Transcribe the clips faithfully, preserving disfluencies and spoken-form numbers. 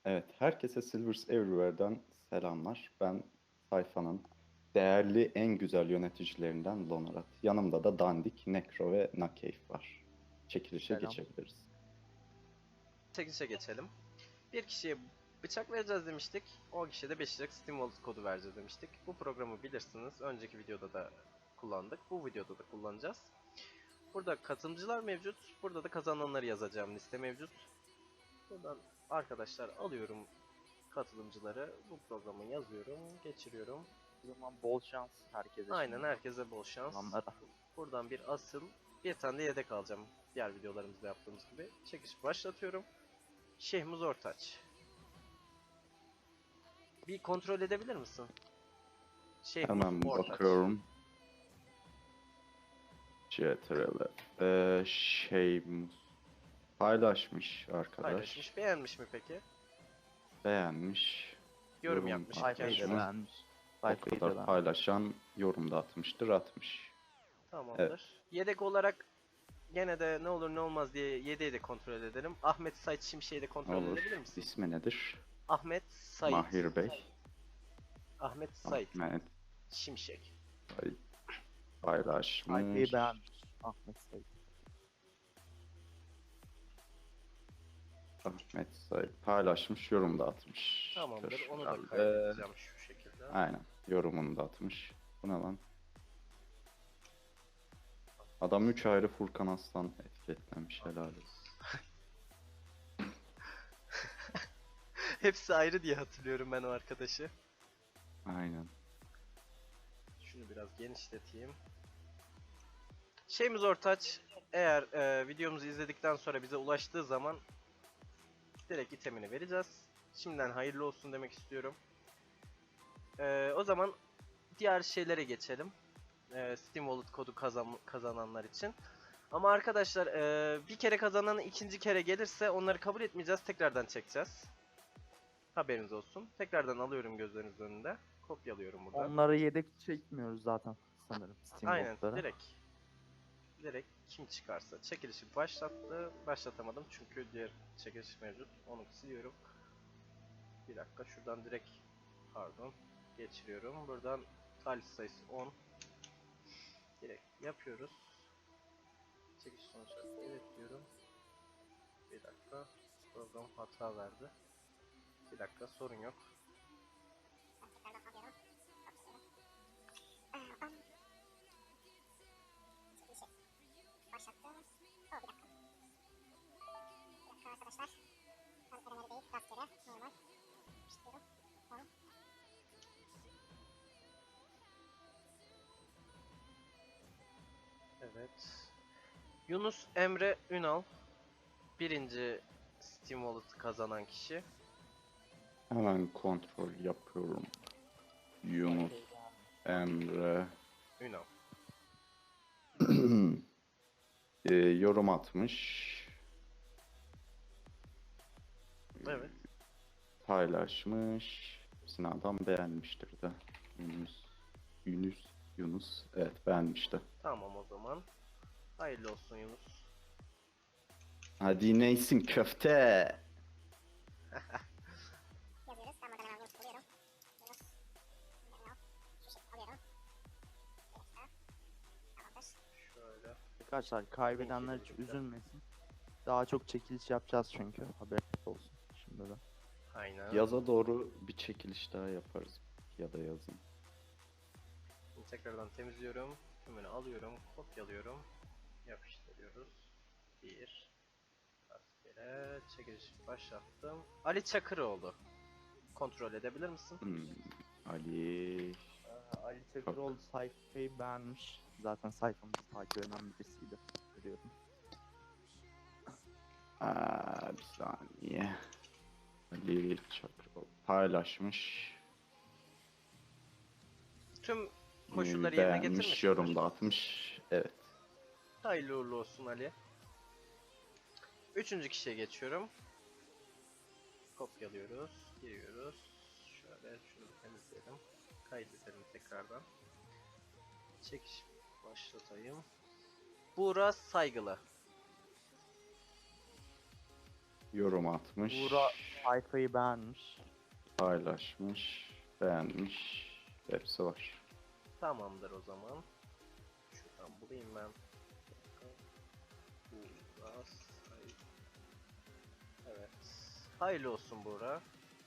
Evet, herkese Silvers Everywhere'den selamlar. Ben sayfanın değerli en güzel yöneticilerinden Lonarat. Yanımda da Dandik, Necro ve Nakeyf var. Çekilişe Selam. geçebiliriz. Çekilişe geçelim. Bir kişiye bıçak vereceğiz demiştik. O kişiye de beş liralık Steam Wallet kodu vereceğiz demiştik. Bu programı bilirsiniz. Önceki videoda da kullandık. Bu videoda da kullanacağız. Burada katılımcılar mevcut. Burada da kazananları yazacağım liste mevcut. Buradan arkadaşlar alıyorum katılımcıları. Bu programı yazıyorum, geçiriyorum. O zaman bol şans herkese. Aynen, şimdi. herkese bol şans. Adamlara. Buradan bir asıl, bir tane de yedek alacağım. Diğer videolarımızda yaptığımız gibi. Çekiş başlatıyorum. Şehmuz Ortaç. Bir kontrol edebilir misin? Şehmuz Hemen Ortaç. bakıyorum. C T R L. Ee, şey paylaşmış arkadaş. Paylaşmış. Beğenmiş mi peki? Beğenmiş. Yorum yapmış. Sayfayı da kendisi. beğenmiş. O Sayfayı da kadar beğenmiş. paylaşan yorum da atmıştır, atmış. Tamamdır. Evet. Yedek olarak gene de ne olur ne olmaz diye yedeği de kontrol edelim. Ahmet Sait Şimşek'i de kontrol Olur. edebilir misin? İsmi nedir? Ahmet Sait. Mahir Bey. Ahmet Sait Ahmet Şimşek. Bey paylaşmış. Sayfayı beğenmiş. Ahmet Sayın. Ahmet Sayıp paylaşmış, yorum da atmış. Tamamdır. Onu da Herhalde. kaydedeceğim şu şekilde. Aynen. Yorumunu da atmış. Bu ne lan? Adam üç ayrı Furkan Aslan etiketlemiş, helal olsun. Hepsi ayrı diye hatırlıyorum ben o arkadaşı. Aynen. Şunu biraz genişleteyim. Şeyimiz Ortaç, eğer e, videomuzu izledikten sonra bize ulaştığı zaman direkt itemini vereceğiz. Şimdiden hayırlı olsun demek istiyorum. E, o zaman diğer şeylere geçelim. E, Steam Wallet kodu kazan kazananlar için. Ama arkadaşlar e, bir kere kazanan ikinci kere gelirse onları kabul etmeyeceğiz. Tekrardan çekeceğiz. Haberiniz olsun. Tekrardan alıyorum gözlerinizin önünde. Kopyalıyorum burada. Onları yedek çekmiyoruz zaten sanırım. Steam Aynen, botlara. direkt. Direkt kim çıkarsa. Çekilişi başlattı. Başlatamadım çünkü diğer çekiliş mevcut. Onu siliyorum. Bir dakika, şuradan direkt pardon geçiriyorum. Buradan talih sayısı on. Direkt yapıyoruz. Çekiliş sonuçları evet diyorum. Bir dakika. Program hata verdi. Bir dakika, sorun yok. Başlattı. O bir dakika. Bir dakika arkadaşlar. Ben kademeli değil, rastgele, normal. İşliyorum. on. Evet. Yunus Emre Ünal. Birinci Steam Wallet kazanan kişi. Hemen kontrol yapıyorum. Yunus Emre Ünal. e, yorum atmış. Evet. Paylaşmış. Hepsini adam beğenmiştir de. Yunus. Yunus. Yunus. Evet, beğenmişti. Tamam o zaman. Hayırlı olsun Yunus. Hadi neysin köfte. Yazıyoruz. Ben buradan hemen Yunus buluyorum. Yunus. Ünal. Şu şekilde alıyorum. Bir dakika. Tamamdır. Şöyle. Arkadaşlar kaybedenler hiç üzülmesin. Daha çok çekiliş yapacağız çünkü. Haberiniz olsun şimdi de. Aynen. Yaza doğru bir çekiliş daha yaparız. Ya da yazın. Şimdi tekrardan temizliyorum. Tümünü alıyorum. Kopyalıyorum. Yapıştırıyoruz. Bir. Rastgele. Çekiliş başlattım. Ali Çakıroğlu. Kontrol edebilir misin? Hmm, Ali. Ee, Ali Çakıroğlu sayfayı beğenmiş. Zaten sayfamızı takip eden birisiydi. Görüyorum. Aa, bir saniye. Ali Çakır paylaşmış. Tüm Hmm, koşulları yerine beğenmiş, getirmiş. yorum da atmış. Evet. Hayırlı uğurlu olsun Ali. Üçüncü kişiye geçiyorum. Kopyalıyoruz. Giriyoruz. Şöyle şunu bir temizleyelim. Kaydedelim tekrardan. Çekiş başlatayım. Buğra Saygılı. yorum atmış, Buğra sayfayı beğenmiş. paylaşmış, beğenmiş. Hepsi var. Tamamdır o zaman. Şuradan bulayım ben. Buğra Say- Evet. Hayırlı olsun Buğra.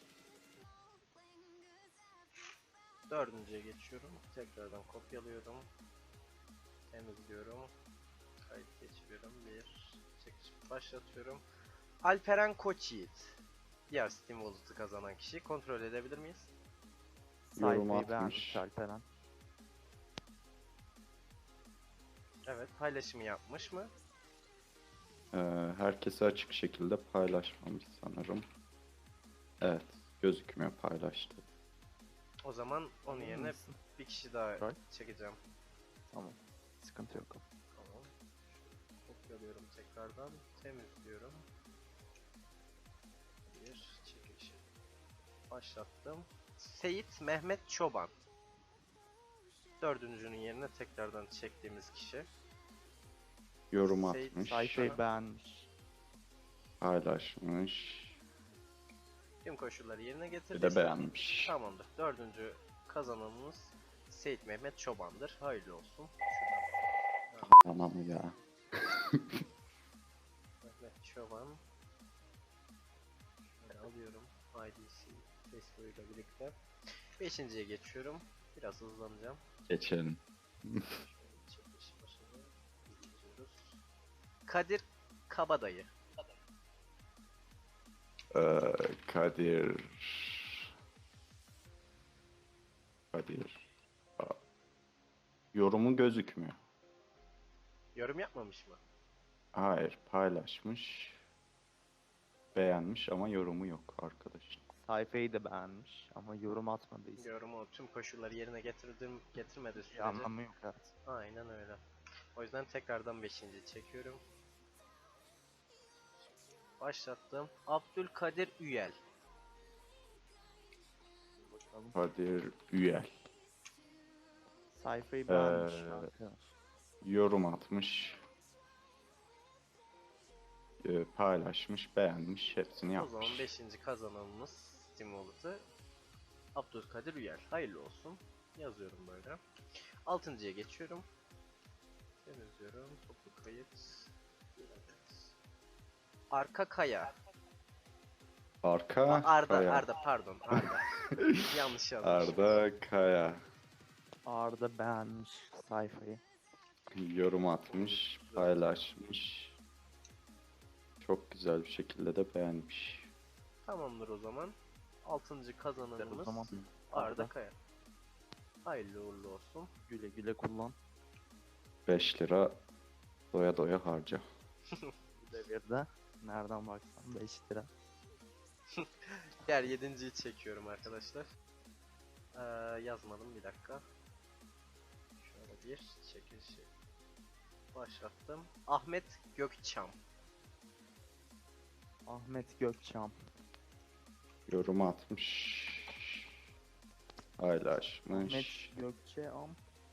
Dördüncüye geçiyorum. Tekrardan kopyalıyorum. Temizliyorum. Kayıt geçiriyorum. Bir çekiş başlatıyorum. Alperen Koçyiğit. Diğer Steam Wallet'ı kazanan kişi. Kontrol edebilir miyiz? Yorum Sayfayı beğenmiş atmış. Alperen. Evet. Paylaşımı yapmış mı? Ee, herkese açık şekilde paylaşmamış sanırım. Evet, gözükmüyor paylaştı. O zaman onun Emin yerine misin? bir kişi daha Right. çekeceğim. Tamam. Sıkıntı yok. Tamam. Kopyalıyorum tekrardan. Temizliyorum. Bir çekilişi başlattım. Seyit Mehmet Çoban. Dördüncünün yerine tekrardan çektiğimiz kişi. Yorum Seyit atmış, Sayfayı Sana- beğenmiş. paylaşmış, Tüm koşulları yerine bir getirdi. de beğenmiş. Tamamdır. Dördüncü kazananımız Seyit Mehmet Çoban'dır. Hayırlı olsun. Tamam ya. Mehmet Çoban. Şöyle alıyorum. I D C Facebook'uyla birlikte. Beşinciye geçiyorum. Biraz hızlanacağım. Geçelim. Şöyle çekiliş başını izliyoruz. Kadir Kabadayı. Ee, Kadir... Kadir... Aa, yorumu gözükmüyor. Yorum yapmamış mı? Hayır, paylaşmış, beğenmiş ama yorumu yok arkadaşın. Sayfayı da beğenmiş ama yorum atmadıysa. Yorumu tüm koşulları yerine getirdim, getirmedi Bir sürece. anlamı yok evet. Aynen öyle. O yüzden tekrardan beşinci çekiyorum. Başlattım. Abdülkadir Üyel. Bakalım. Kadir Üyel. Sayfayı beğenmiş Ee, arkadaş. Yorum atmış, e, paylaşmış, beğenmiş, hepsini O yapmış. zaman beşinci kazananımız Steam Wallet'ı Abdülkadir Üyel. Hayırlı olsun. Yazıyorum böyle. Altıncıya geçiyorum. Temizliyorum. Toplu kayıt. Evet. Arka Kaya. Arka Aa, Arda, Kaya. Arda pardon Arda. Yanlış yazmış. Arda Kaya. Arda beğenmiş sayfayı. Yorum atmış, paylaşmış. Çok güzel bir şekilde de beğenmiş. Tamamdır o zaman. Altıncı O kazananımız zaman Arda Arda. Kaya. Hayırlı uğurlu olsun. güle güle kullan. beş lira doya doya harca. Bu devirde nereden baksan beş lira. Diğer yedinciyi çekiyorum arkadaşlar. Ee, yazmadım bir dakika. Şöyle bir çekilişi başlattım. Ahmet Gökçam. Ahmet Gökçam. Yorum atmış, paylaşmış, Ahmet Gökçam.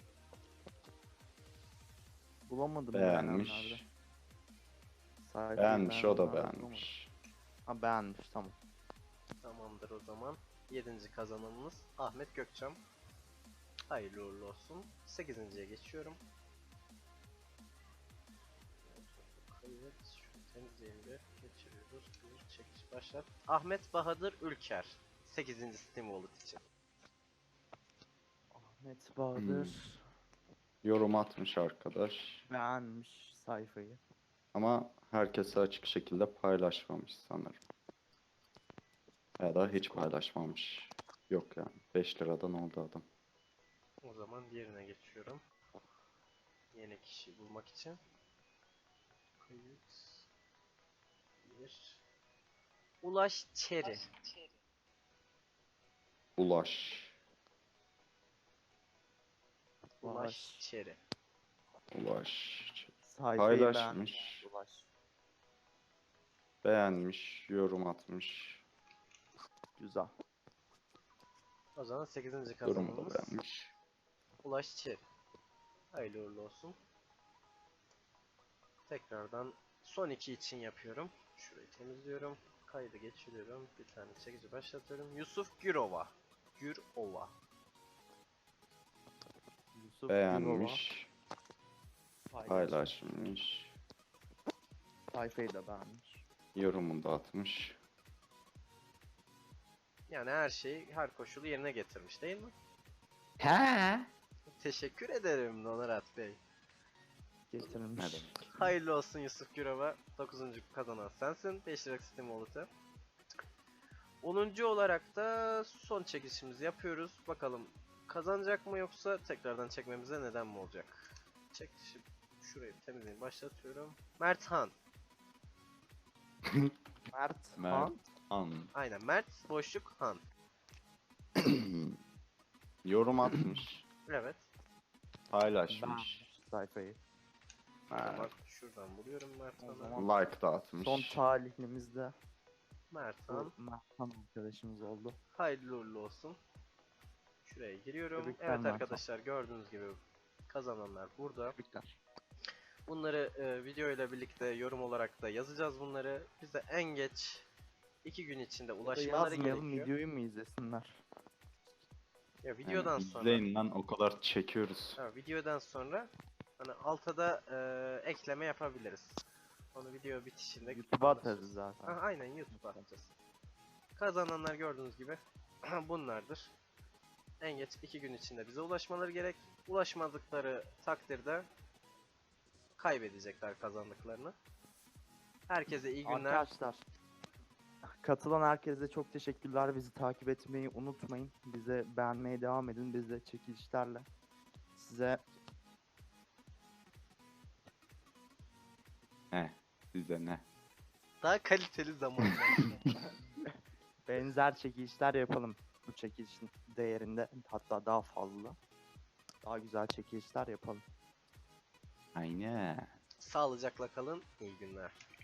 Bulamadım beğenmiş. beğenenlerde. Sayfayı Beğenmiş, o da beğenenlerde beğenmiş. bulamadım. Ha beğenmiş tamam. Tamamdır o zaman. Yedinci kazananımız Ahmet Gökçam. Hayırlı uğurlu olsun. Sekizinciye geçiyorum. Kayıt. Şunu temizleyelim bir. Geçiriyoruz. Bir çekiş başlat. Ahmet Bahadır Ülker. Sekizinci Steam Wallet için. Ahmet Bahadır Yorum atmış arkadaş. beğenmiş sayfayı. Ama herkese açık şekilde paylaşmamış sanırım. Ya da hiç paylaşmamış. Yok yani. beş liradan oldu adam. O zaman diğerine geçiyorum. Yeni kişi bulmak için. Kayıt. Bir. Ulaş Çeri. Ulaş. Ulaş Ulaş. Çeri. Ulaş. Sayfayı beğenmiş. Paylaşmış. Ulaş. Beğenmiş. Yorum atmış. Güzel. O zaman sekizinci Yorumu da kazanımız beğenmiş. Ulaş Çeri. Hayırlı uğurlu olsun. Tekrardan son iki için yapıyorum. Şurayı temizliyorum. Kaydı geçiriyorum. Bir tane çekici başlatıyorum. Yusuf Gürova. Gürova. Yusuf Gürova Beğenmiş, paylaş- paylaşmış, Sayfayı da beğenmiş. yorumunu da atmış. Yani her şeyi, her koşulu yerine getirmiş değil mi? He. Teşekkür ederim Donarat Bey. Getirmiş. Ne demek? Hayırlı olsun Yusuf Gürova. dokuzuncu kazanan sensin. beş liralık Steam Wallet'ı. onuncu olarak da son çekişimizi yapıyoruz. Bakalım kazanacak mı yoksa tekrardan çekmemize neden mi olacak? Çekişi şurayı temizleyin başlatıyorum. Mert Han. Mert Mert. Han. An. Aynen Mert boşluk Han. Yorum atmış, Evet. paylaşmış, Beğenmiş sayfayı. Hemen evet, şuradan buluyorum Mert O Han'ı. zaman- like da atmış. Son talihlimiz Mert bu Han. Mert Han arkadaşımız oldu. Hayırlı uğurlu olsun. Şuraya giriyorum. Tebrikler Evet Mert Han. arkadaşlar gördüğünüz gibi kazananlar burada. Tebrikler. Bunları e, video ile birlikte yorum olarak da yazacağız bunları. Bize en geç iki gün içinde ulaşmaları Yazmayalım, gerekiyor. videoyu mu izlesinler? Ya Yani videodan sonra, izleyin lan, o kadar çekiyoruz. ha, videodan sonra hani alta da e, ekleme yapabiliriz. Onu video bitişinde YouTube'a anlatırız. atarız zaten. Ha, aynen YouTube'a atacağız. Kazananlar gördüğünüz gibi bunlardır. En geç iki gün içinde bize ulaşmaları gerek. Ulaşmadıkları takdirde kaybedecekler kazandıklarını. Herkese iyi günler. Arkadaşlar, katılan herkese çok teşekkürler. Bizi takip etmeyi unutmayın. Bize beğenmeye devam edin. Biz de çekilişlerle size He, size ne? Daha kaliteli zamanlar. benzer çekilişler yapalım. Bu çekilişin değerinde, hatta daha fazla. Daha güzel çekilişler yapalım. Aynen. Sağlıcakla kalın. İyi günler.